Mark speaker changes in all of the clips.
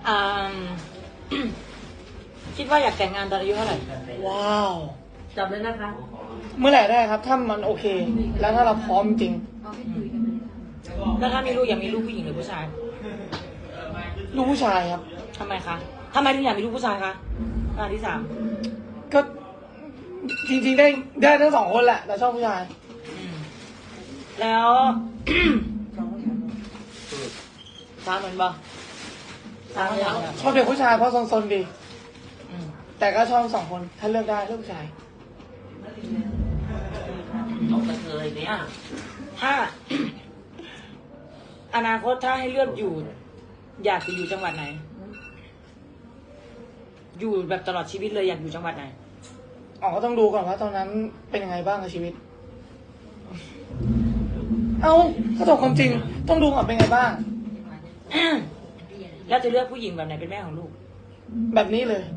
Speaker 1: อ่า คิดว่าอยากแต่งงานตอนอายุเท่าไหร่
Speaker 2: ว้าว
Speaker 3: จับเลยนะคะ
Speaker 2: เมื่อไหร่ได้ครับ ถ้ามันโอเค แล้วถ้าเราพร้อมจริง
Speaker 1: แล้วถ้ามีลูกอยากมีลูกผู้หญิงหรือผู้ชาย
Speaker 2: ลูกผู้ชายครับ
Speaker 1: ทำไมคะทำไมถึงอยากมีลูกผู้ชายคะงานที่สาม
Speaker 2: ก็จริงๆได้ทั้งสองคนแหละ แต่ชอบผู้ชาย
Speaker 1: แล้ว สามเหมือนบ่สามอย่าง
Speaker 2: ชอบเด็กผู้ชายเพราะซนๆดี
Speaker 1: อืม
Speaker 2: แต่ก็ชอบสองคน ถ้าเลือกได้เลือกผู้ชาย
Speaker 3: เอาไปเลยเนี่ย
Speaker 1: ถ้า อนาคตถ้าให้เลือกอยู่ อยากจะอยู่จังหวัดไหน อยู่แบบตลอดชีวิตเลยอยากอยู่จังหวัดไหน
Speaker 2: อ๋อก็ต้องดูก่อนว่าตอนนั้นเป็นยังไงบ้างกับชีวิต เอาถ้าตอบความจริง ต้องดูก่อนเป็นไงบ้าง
Speaker 1: แล้วจะเลือกผู้หญิงแบบไหนเป็นแม่ของลูก
Speaker 2: แบบนี้เลย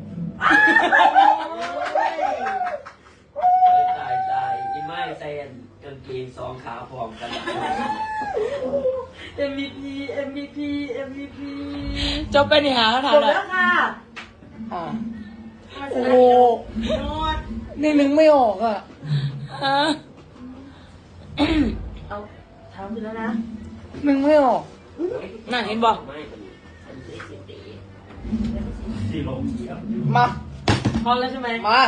Speaker 4: ตายอีไม้ใส่กางเกงสองขาพร้อมกัน
Speaker 3: MVP MVP MVP
Speaker 1: จบไปนี่หาเขาถาม
Speaker 3: จบ
Speaker 1: เลย
Speaker 3: แล้วค่ะ
Speaker 2: อ๋อ โอ้โห
Speaker 3: นวด
Speaker 2: นี่นึงไม่ออกอ่ะ
Speaker 1: ฮะ
Speaker 3: เอาถามไปแล้วนะ
Speaker 2: นึงไม่ออก
Speaker 1: นั่นเห็นบอก
Speaker 4: ไม่มันคือเสียตีสีลมเขียว
Speaker 2: มา
Speaker 3: พร้อมแล้วใช่ไหม
Speaker 2: มา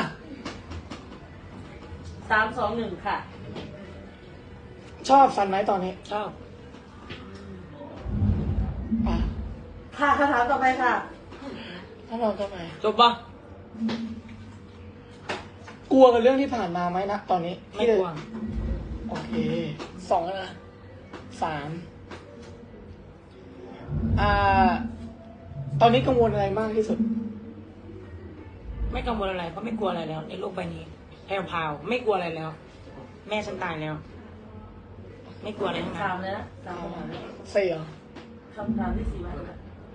Speaker 3: 3 2 1 ค่ะ
Speaker 2: ชอบสันไหมตอนนี้
Speaker 1: ชอบ
Speaker 2: อ่ะ
Speaker 3: ค่ะคำถามต่อไปค่ะ
Speaker 2: ถ้าเราทำไม
Speaker 1: จบปะ
Speaker 2: กลัวกับเรื่องที่ผ่านมาไหมนะตอนนี้
Speaker 1: ไม่กลัว
Speaker 2: โอเคสองแล้วนะสามตอนนี้กังวลอะไรมากที่สุด
Speaker 1: ไม่กังวลอะไรเพราะไม่กลัวอะไรแล้ว ในโลกใบนี้แพรวพราวไม่กลัวอะไรแล้ว แม่ฉันตายแล้ว ไม่กลัวอะไรทั้งนั้
Speaker 3: ถาม
Speaker 1: น
Speaker 3: เลยนะถามคำถามเลย
Speaker 2: สี่เหรอ
Speaker 3: คำถามที่ 4 วันค่ะ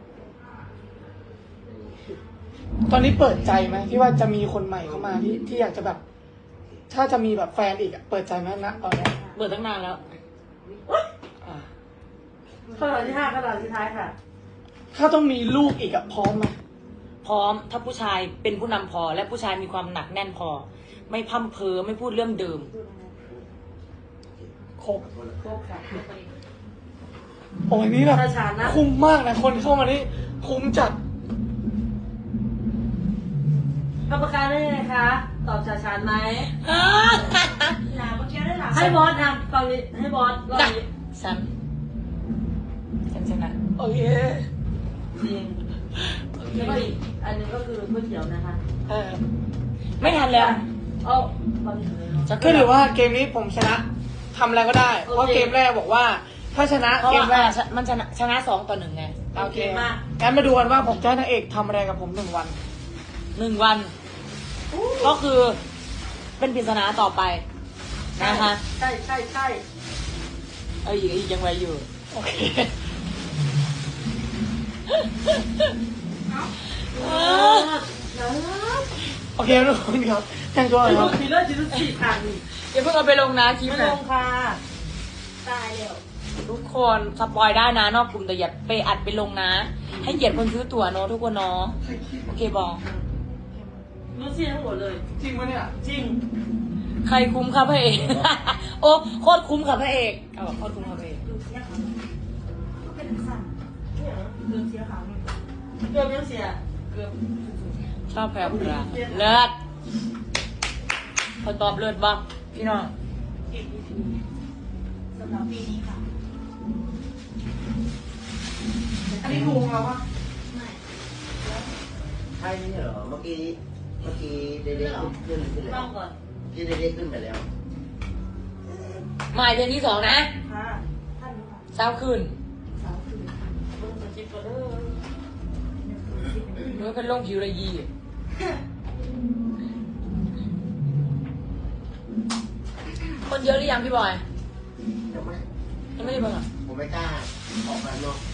Speaker 2: ตอนนี้เปิดใจไหมที่ว่าจะมีคนใหม่เข้ามาที่อยากจะแบบ ถ้าจะมีแบบแฟนอีกอะเปิดใจไหมนะตอนนี้
Speaker 1: เบื่อตั้งนานแล้ว
Speaker 2: อ่า
Speaker 3: คำถามที่ 5คำถามสุดท้ายค่ะ
Speaker 2: ถ้าต้องมีลูกอีกอะพร้อมไหม
Speaker 1: พร้อมถ้าผู้ชายเป็นผู้นำพอ และผู้ชายมีความหนักแน่นพอ ไม่พั่มเพอไม่พูดเรื่องเดิม
Speaker 2: ครบ
Speaker 3: โคกค่ะ
Speaker 2: โอ้ยนี่แบบ
Speaker 3: ชาชานะ
Speaker 2: คุ้มมากนะคนเข้ามานี่คุ้มจัด
Speaker 3: กรรมการได้ไงคะ ตอบชาชานไหมให้บอสนะตอนนี้ให้บอสรอบนี้
Speaker 1: ฉันชนะ
Speaker 2: โอเค
Speaker 3: จริงแล้วก็อีกอันหนึงก็คือก๋วยเตี๋ยวนะคะ
Speaker 2: เออ
Speaker 1: ไม่ทันแล้ว
Speaker 3: เอาตอนนี้เลยเนาะ
Speaker 2: ก็ถือว่าเกมนี้ผมชนะทำอะไรก็ได้ เพราะเกมแรกบอกว่า ถ้าชนะ
Speaker 1: เพราะ
Speaker 2: เก
Speaker 1: ว่าม
Speaker 2: แรก
Speaker 1: มันชนะ2-1ไง
Speaker 2: โอเคงั้นมาดูกันว่าผมจะให้นางเอกทำอะไรกับผม1 วัน
Speaker 1: 1 วัน ก็คือเป็นปริศนาต่อไปนะคะ
Speaker 3: ใช่ใช่ใช่
Speaker 1: อีกยังไงอยู่
Speaker 2: โอเค โอเคทุกคนครับแต่งตัวหน่อยครับ
Speaker 3: มีเลือดจีนสี่ทาง
Speaker 1: อย่าเพิ่งเอาไปลงนะคลิป
Speaker 3: ไม่
Speaker 1: นะ
Speaker 3: ลงค่ะตายแล้ว
Speaker 1: ทุกคนสปอยได้นะนอกกลุ่มแต่อย่าไปอัดไปลงนะ ให้เกียรติคนซื้อตั๋วเนอะทุกคนเนาะโอเคบอก
Speaker 3: รู้ซี่ทั้งหมดเลย
Speaker 2: จริงปะเนี่ย
Speaker 3: จริง
Speaker 1: ใครคุ้มครับพระเอก โอ้โคตรคุ้มครับพระเอกเอาแบบโคตรคุ้มครับพระเอก
Speaker 3: เกือบยังเสียเกือบ
Speaker 1: ชอบแพรวพราวเลิศคนตอบเลิศบ้างพี่น้อง
Speaker 3: สำหรับปีนี้ค่ะ
Speaker 2: อันนี้ถูกแล้ววะ
Speaker 4: ใช่ไม่ใช่เหรอ เมื่อกี้เด็กๆขึ้นแล้ว
Speaker 3: ต้องก่อน
Speaker 4: ที่เด็กๆขึ้นไปแล้ว
Speaker 1: หมายเดือนที่2นะ
Speaker 3: ค่ะท่านค่ะ
Speaker 1: เช้าคืน
Speaker 3: สาวคือเบิ่งสคริปต์ก่อนเด้อ
Speaker 1: เมื่อเป็นลงผิวระยี คนเยอะหรือยังพี่บอย
Speaker 4: ยังไม่
Speaker 1: ยังไม่ได้เบิ่งอ่ะ
Speaker 4: ผมไม่กล้าออกมาเนาะ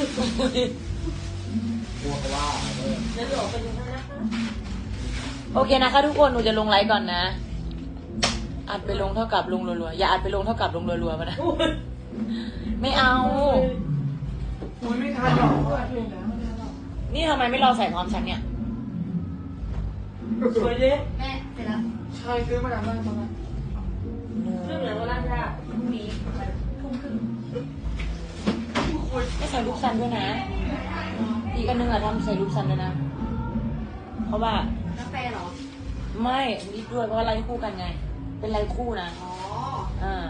Speaker 4: กลัวเขาว่าเออ
Speaker 3: เดี๋ยวจะออกไปดูกันนะคะ
Speaker 1: โอเคนะคะทุกคนหนูจะลงไลฟ์ก่อนนะ อัดไปลงเท่ากับลงรัวๆอย่าอัดไปลงเท่ากับลงรัวๆมานะ ไม่เอา
Speaker 2: โอ้ยไม่ทันหรอกเพราะว่าเพลงแล้วไม่ทันหรอก
Speaker 1: นี่ทำไมไม่รอใส่พร้อมฉันเนี่ย
Speaker 3: สวยดิ
Speaker 4: แม่เสร็จแล้ว
Speaker 2: ใช่ซื้อมาจากบ้านตอนนั้น
Speaker 3: เรื่องเหลือว่าร่างยาก
Speaker 4: พรุ่งนี้วันทุ่มครึ่ง
Speaker 1: ไม่ใส่รูปซันด้วยนะ อีกอันนึงอะทำใส่รูปซันด้วยนะ เพราะว่า
Speaker 4: กาแฟเหรอ
Speaker 1: ไม่นี่ด้วยเพราะว่าไลฟ์คู่กันไง เป็นไลฟ์คู่นะ
Speaker 4: อ๋อ
Speaker 1: อ่า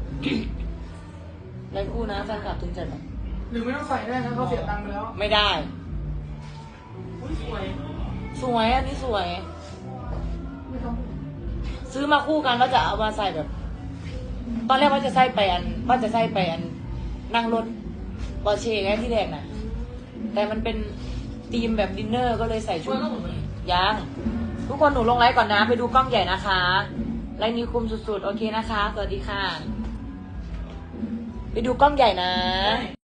Speaker 1: ไลฟ์คู่นะแฟนคลับถึงจะแบบ
Speaker 2: หรือไม่ต้องใส่ได้นะเขาเสียตังค์ไปแล้ว
Speaker 1: ไม่ได้
Speaker 3: อุ้ยสวย
Speaker 1: สวยอันนี้สวย
Speaker 2: ไม่ต้อง
Speaker 1: ซื้อมาคู่กันแล้วจะเอามาใส่แบบ ตอนแรกว่าจะใส่ไปอันนั่งรถบอเช่ไงที่แรกน่ะ แต่มันเป็นธีมแบบดินเนอร์ก็เลยใส่
Speaker 3: ส
Speaker 1: ชุ
Speaker 3: วย
Speaker 1: ด
Speaker 3: ก็เหมือน
Speaker 1: ยังทุกคนหนูลงไลฟ์ก่อนนะ ไปดูกล้องใหญ่นะคะไลฟ์นี้คุมสุดๆ โอเคนะคะ สวัสดีค่ะ ไปดูกล้องใหญ่นะ